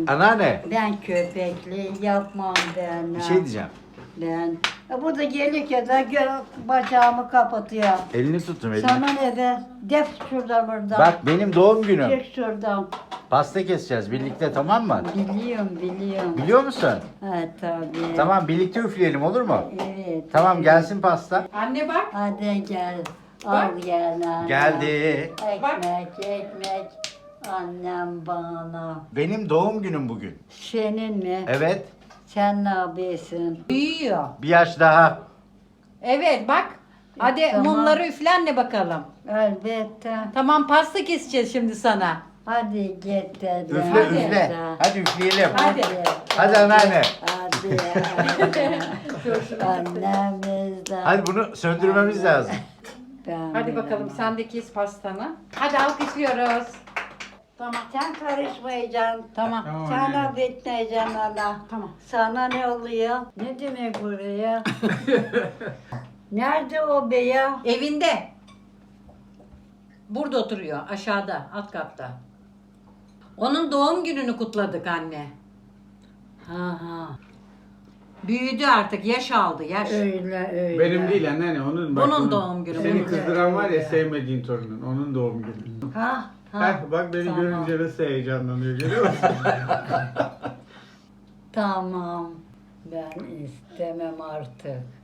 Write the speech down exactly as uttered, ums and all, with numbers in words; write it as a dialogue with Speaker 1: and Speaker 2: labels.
Speaker 1: Anneanne,
Speaker 2: Ben köpekli yapmam ben.
Speaker 1: bir şey diyeceğim.
Speaker 2: Ben. E, bu da gelirken de gö- bacağımı kapatıyor.
Speaker 1: Elini tuttum elini.
Speaker 2: Sana ne be? Def şuradan buradan.
Speaker 1: Bak benim doğum günüm.
Speaker 2: Çek şuradan.
Speaker 1: Pasta keseceğiz birlikte, tamam mı?
Speaker 2: Biliyorum biliyorum.
Speaker 1: Biliyor musun?
Speaker 2: Ha tabii.
Speaker 1: Tamam, birlikte üfleyelim, olur mu?
Speaker 2: Evet.
Speaker 1: Tamam,
Speaker 2: evet.
Speaker 1: gelsin pasta.
Speaker 3: Anne bak.
Speaker 2: Hadi gel. Al
Speaker 3: Bak.
Speaker 2: gel anne.
Speaker 1: Geldi.
Speaker 2: Ekmek ekmek. Annem bana.
Speaker 1: Benim doğum günüm bugün.
Speaker 2: Senin mi?
Speaker 1: Evet.
Speaker 2: Sen ne yapıyorsun?
Speaker 3: Büyüyor.
Speaker 1: Bir yaş daha.
Speaker 3: Evet bak. Hadi
Speaker 2: Tamam.
Speaker 3: mumları üflenle bakalım.
Speaker 2: Elbette.
Speaker 3: Tamam pasta keseceğiz şimdi sana.
Speaker 2: Hadi git dedim.
Speaker 1: Üfle
Speaker 3: Hadi.
Speaker 1: üfle. Hadi üfleyelim.
Speaker 3: Hadi.
Speaker 1: Hadi anneanne.
Speaker 2: Hadi. Annemiz de.
Speaker 1: Hadi bunu söndürmemiz lazım.
Speaker 2: Ben
Speaker 3: Hadi bakalım
Speaker 2: bilemem.
Speaker 3: sen de kes pastanı. Hadi alkışlıyoruz. Tamam.
Speaker 2: Sen karışmayacaksın.
Speaker 3: Tamam.
Speaker 2: Sana bitmeyeceksin ana.
Speaker 3: Tamam.
Speaker 2: Sana ne oluyor? Ne demek buraya? Nerede o be ya?
Speaker 3: Evinde. Burada oturuyor aşağıda alt katta. Onun doğum gününü kutladık anne.
Speaker 2: Ha ha.
Speaker 3: Büyüdü artık yaş aldı yaş.
Speaker 2: Öyle öyle.
Speaker 4: Benim değil anneanne onun. Bak,
Speaker 3: Bunun
Speaker 4: onun-
Speaker 3: doğum günü,
Speaker 4: Seni
Speaker 3: bunun.
Speaker 4: kızdıran var ya
Speaker 2: Öyle.
Speaker 4: sevmediğin torunun. Onun doğum günü.
Speaker 2: Ha ha.
Speaker 4: Heh, bak beni
Speaker 2: Tamam.
Speaker 4: görünce nasıl heyecanlanıyor görüyor musun?
Speaker 2: Tamam. Ben istemem artık.